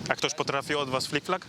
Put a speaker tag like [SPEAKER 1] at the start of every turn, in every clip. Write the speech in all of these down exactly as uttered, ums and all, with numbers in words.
[SPEAKER 1] A ktoś potrafi od was flick-flag?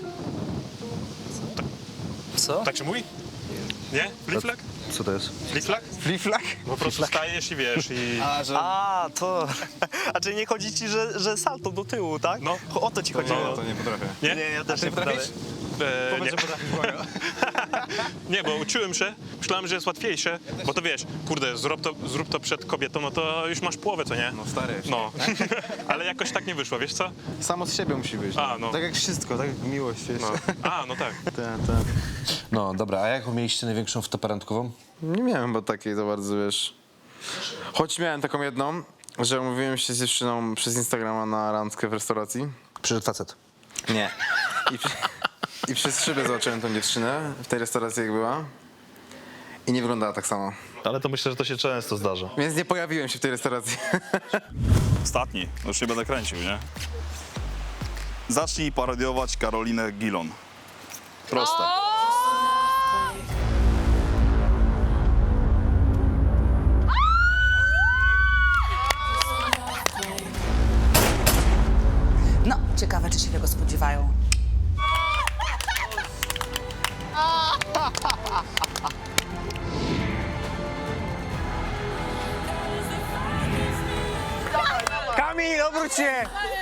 [SPEAKER 2] Co?
[SPEAKER 1] Tak się mówi? Nie? Flick-flag?
[SPEAKER 3] Co to jest?
[SPEAKER 1] Flick-flag?
[SPEAKER 2] Fliflak?
[SPEAKER 1] Po prostu stajesz i wiesz i...
[SPEAKER 2] A, że...
[SPEAKER 4] A, to... A czyli nie chodzi ci, że, że salto do tyłu, tak?
[SPEAKER 1] No.
[SPEAKER 4] O to ci chodziło.
[SPEAKER 1] no,
[SPEAKER 2] to nie potrafię.
[SPEAKER 1] Nie?
[SPEAKER 4] Nie, ja też
[SPEAKER 2] Ty
[SPEAKER 4] nie potrafię.
[SPEAKER 2] potrafisz?
[SPEAKER 1] E, nie.
[SPEAKER 2] Powiedz, że potrafisz, błagam.
[SPEAKER 1] Nie, bo uczyłem się, myślałem, że jest łatwiejsze, bo to wiesz, kurde, zrób to, zrób to przed kobietą, no to już masz połowę, co nie?
[SPEAKER 2] No stary.
[SPEAKER 1] No, ale jakoś tak nie wyszło, wiesz co?
[SPEAKER 2] Samo z siebie musi być.
[SPEAKER 1] A, no.
[SPEAKER 2] Tak jak wszystko, tak jak miłość, wiesz.
[SPEAKER 1] No. A, no tak.
[SPEAKER 2] Tak, tak.
[SPEAKER 3] No dobra, a jaką mieliście największą wtopę randkową?
[SPEAKER 2] Nie miałem chyba takiej za bardzo, wiesz. Choć miałem taką jedną, że umówiłem się z dziewczyną przez Instagrama na randkę w restauracji.
[SPEAKER 3] Przyszedł facet.
[SPEAKER 2] Nie. I, przy, I przez szybę zobaczyłem tą dziewczynę w tej restauracji, jak była. I nie wyglądała tak samo.
[SPEAKER 5] Ale to myślę, że to się często zdarza.
[SPEAKER 2] Więc nie pojawiłem się w tej restauracji.
[SPEAKER 6] Ostatni, już nie będę kręcił, nie? Zacznij parodiować Karolinę Gilon. Proste.
[SPEAKER 7] No, ciekawe, czy się tego spodziewają.
[SPEAKER 4] Kamil, obróć się!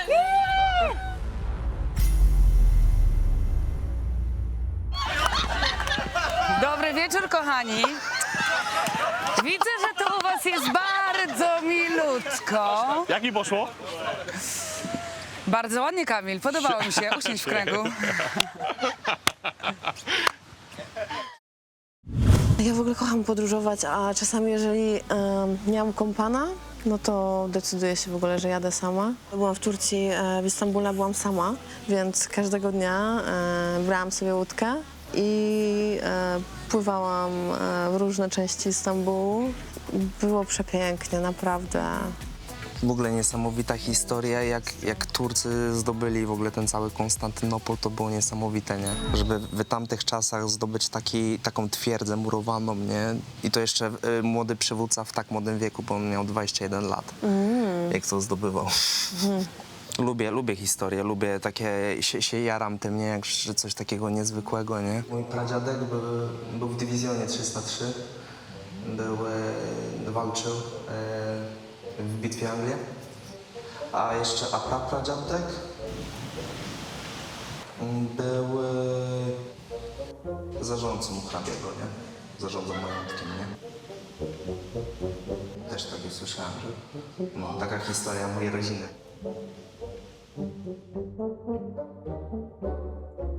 [SPEAKER 7] Dobry wieczór, kochani. Widzę, że to u was jest bardzo milutko.
[SPEAKER 1] Jak mi poszło?
[SPEAKER 7] Bardzo ładnie, Kamil. Podobało mi się. Usiądź w kręgu.
[SPEAKER 8] Ja w ogóle kocham podróżować, a czasami jeżeli em, nie mam kompana, no to decyduję się w ogóle, że jadę sama. Byłam w Turcji, e, w Istambule byłam sama, więc każdego dnia e, brałam sobie łódkę i e, pływałam e, w różne części Istambułu. Było przepięknie, naprawdę.
[SPEAKER 9] W ogóle niesamowita historia, jak, jak Turcy zdobyli w ogóle ten cały Konstantynopol, to było niesamowite, nie? Żeby w tamtych czasach zdobyć taki, taką twierdzę murowaną, nie? I to jeszcze y, młody przywódca w tak młodym wieku, bo on miał dwadzieścia jeden lat, jak to zdobywał. Lubię, lubię historię, lubię takie, się, się jaram tym, nie? Jak, że coś takiego niezwykłego, nie? Mój pradziadek był, był w dywizjonie trzysta trzy, był, e, walczył e, w bitwie Anglii, a jeszcze a prapradziadek był e, zarządcą hrabiego, nie? Zarządzał majątkiem, nie? Też tak już słyszałem, że no, taka historia mojej rodziny.